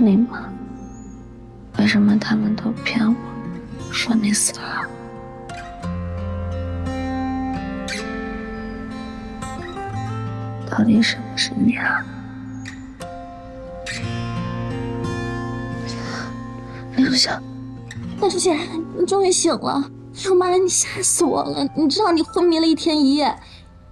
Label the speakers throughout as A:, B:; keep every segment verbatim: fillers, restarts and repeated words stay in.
A: 理吗？为什么他们都骗我，说你死了？到底是不是你啊？林如香，
B: 大叔姐，你终于醒了！哎呦妈呀，你吓死我了！你知道你昏迷了一天一夜。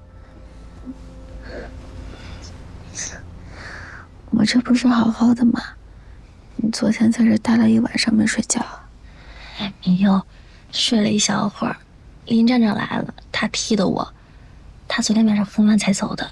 A: 我这不是好好的吗？你昨天在这待了一晚上没睡觉。
B: 哎，明佑，睡了一小会儿，林站长来了，他踢的我，他昨天晚上昏完才走的。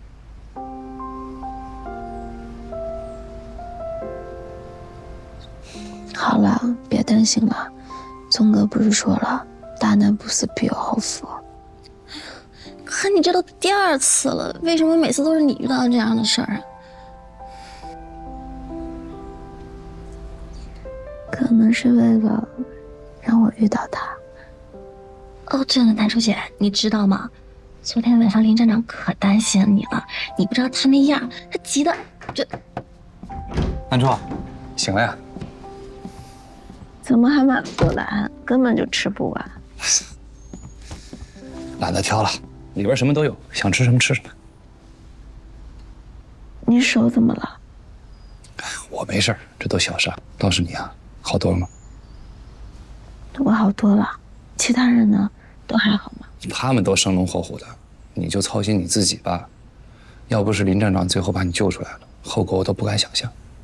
A: 好了，别担心了。宗哥不是说了，大难不死必有后福。
B: 可你这都第二次了，为什么每次都是你遇到这样的事儿啊？
A: 可能是为了让我遇到他。
B: 哦，真的，南叔姐，你知道吗？昨天晚上林站长可担心你了，你不知道他那样，他急的这。
C: 南珠，醒了呀？
A: 怎么还买不过来？根本就吃不完。
C: 懒得挑了，里边什么都有，想吃什么吃什么。
A: 你手怎么了？
C: 我没事，这都小事。倒是你啊，好多了吗？
A: 我好多了，其他人呢？都还好吗？
C: 他们都生龙活虎的，你就操心你自己吧。要不是林站长最后把你救出来了，后果我都不敢想象。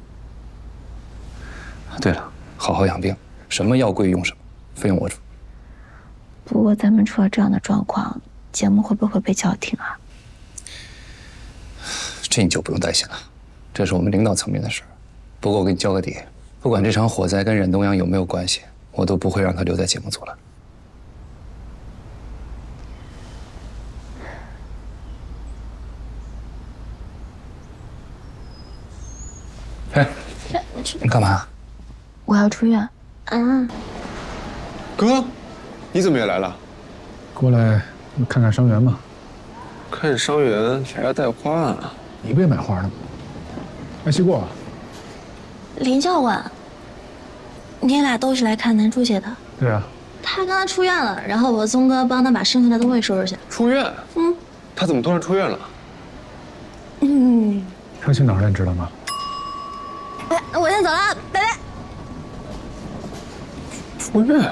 C: 对了，好好养病，什么药贵用什么，费用我出。
A: 不过咱们出了这样的状况，节目会不会被叫停啊？
C: 这你就不用担心了，这是我们领导层面的事儿。不过我给你交个底，不管这场火灾跟冉东阳有没有关系，我都不会让他留在节目组了。哎，你干嘛？
A: 我要出院。
B: 啊，
D: 哥，你怎么也来了？
E: 过来看看伤员嘛。
D: 看伤员还要带花啊？
E: 你不也买花的吗？哎，西过，
B: 林教官，你俩都是来看南珠姐的？
E: 对啊，
B: 他刚才出院了，然后我宗哥帮他把剩下的东西收拾去。
D: 出院？
B: 嗯，
D: 他怎么突然出院了？
B: 嗯，
E: 他去哪儿了？你知道吗？
B: 哎，我先走了，拜拜。
D: 出院？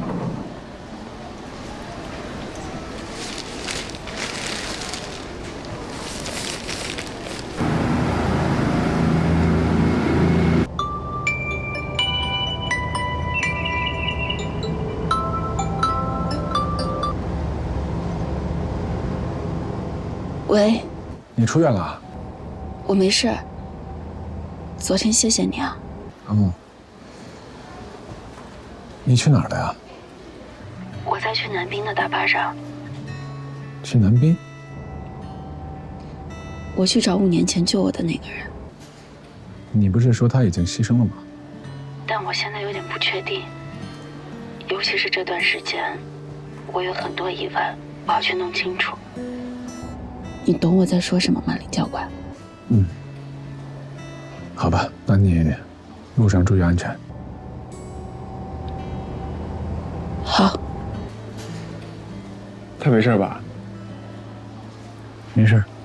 A: 喂，
E: 你出院了？
A: 我没事。昨天谢谢你啊。
E: 嗯。你去哪儿了呀？
A: 我在去南滨的大巴上。
E: 去南滨？
A: 我去找五年前救我的那个人。
E: 你不是说他已经牺牲了吗？
A: 但我现在有点不确定，尤其是这段时间，我有很多疑问，我要去弄清楚。你懂我在说什么吗，林教官？
E: 嗯。好吧，那你路上注意安全。
A: 好。
D: 他没事吧？
E: 没事。